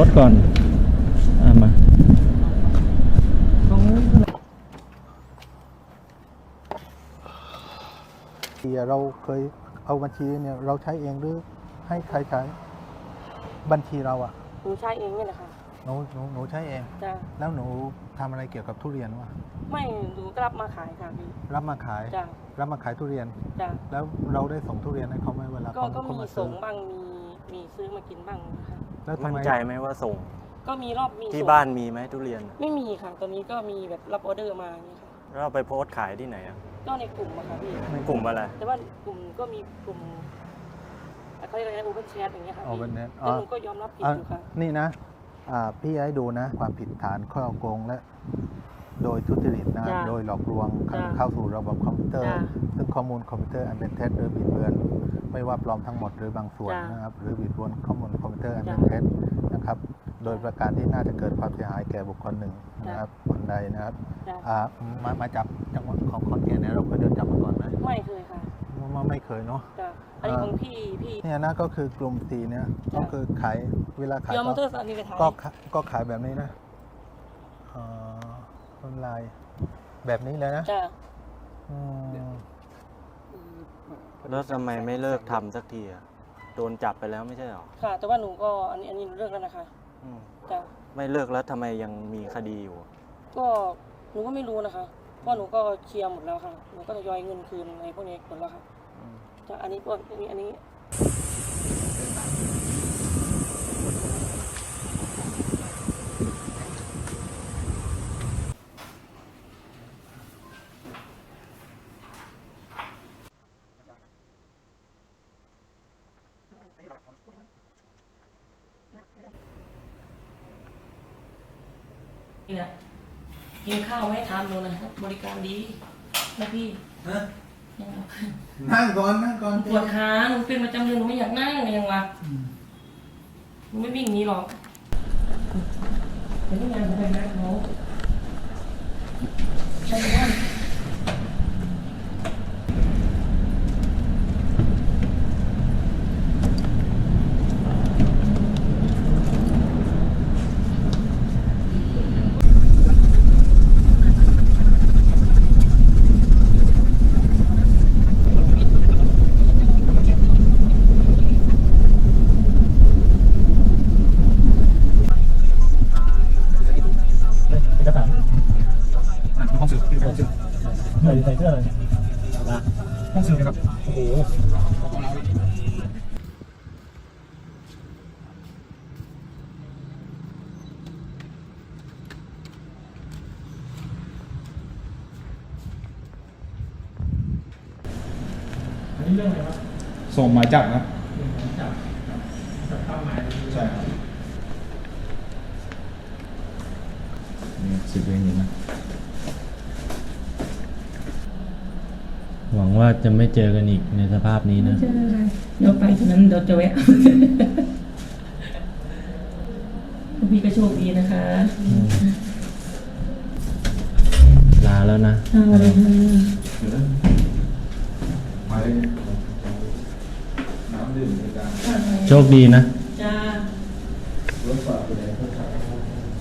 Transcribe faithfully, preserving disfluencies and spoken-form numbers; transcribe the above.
ถก่อนอ่ามาเราเคยเอาบัญชีเนี่ยเราใช้เองหรือให้ใครใช้บัญชีเราอ่ะหนูใช้เองนี่แหละค่ะหนูหนูหนูใช้เองจ้ะแล้วหนูทำอะไรเกี่ยวกับทุเรียนวะไม่หนูรับมาขายค่ะพี่รับมาขายจ้ะรับมาขายทุเรียนจ้ะแล้วเราได้ส่งทุเรียนให้เขาไหมเวลาก็ก็มีส่งบ้างมีมีซื้อมากินบ้างนะคะแล้วมั่นใจไหมว่าส่งก็มีรอบมีที่บ้านมีไหมทุเรียนไม่มีค่ะตอนนี้ก็มีแบบรับออเดอร์มานี่ค่ะแล้วไปโพสต์ขายที่ไหนอ่ะก็ในกลุ่มอะค่ะพี่ในกลุ่มอะไรแต่ว่ากลุ่มก็มีกลุ่มเขาเรียกอะไรนะโอเปนแชทอย่างเงี้ยค่ะโอเปนแชทแต่หนูก็ยอมรับผิดอยู่ค่ะนี่นะพี่ให้ดูนะความผิดฐานข้อโกงและโดยทุจริตนะโดยหลอกลวงเข้าสู่ระบบคอมพิวเตอร์ซึ่งข้อมูลคอมพิวเตอร์อันเป็นเท็จหรือบิดเบือนไม่ว่าปลอมทั้งหมดหรือบางส่วนนะครับหรือบิดเบือนข้อมูลคอมพิวเตอร์อันเป็นเท็จนะครับโดยประการที่น่าจะเกิดความเสียหายแก่บุคคลหนึ่งนะครับคนใดนะครับมามาจับจังหวัดของขอนแก่นเนี่ยเราเคยเดินจับมาก่อนไหมไม่เคยค่ะมาไม่เคยเนาะอันนี้ของพี่พี่เนี่ยนะก็คือกลุ่มสีเนี่ยก็คือขายเวลาขายก็ก็ขายแบบนี้นะออนไลน์แบบนี้เลยนะแล้วทำไมไม่เลิกทำสักทีอะโดนจับไปแล้วไม่ใช่หรอค่ะแต่ว่าหนูก็อันนี้อันนี้เลิกแล้วนะคะจ้ะไม่เลิกแล้วทำไมยังมีคดีอยู่ก็หนูก็ไม่รู้นะคะเพราะหนูก็เคลียร์หมดแล้วค่ะหนูก็จะย้อยเงินคืนในพวกนี้หมดแล้วค่ะจากอันนี้พวกนี้อันนี้เนี่ยกินข้าวไม่ทำเลยนะบริการดีนะพี่นั่งก่อนนั่งก่อนปวดขาหนูเป็นประจำเดือนหนูไม่อยากนั่งยังวะหนูไม่วิ่งนี้หรอกเป็นที่งานของใครนะเขาใช่ไหมใส่เสื้อเลยห้องสื่อนะครับโอ้โหอันนี้เรื่องอะไรครับส่งหมายจับครับจับจับตั้งหมายใช่ครับนี่สิบเวรอยู่นะหวังว่าจะไม่เจอกันอีกในสภาพนี้นะเจอค่ะเดี๋ยวไปถึงนั้นเดี๋ยวจะแวะพี่ก็โชคดีนะคะลาแล้วนะลาเลยค่ะโชคดีนะจ้ารถฝากไปไหนรถฝาก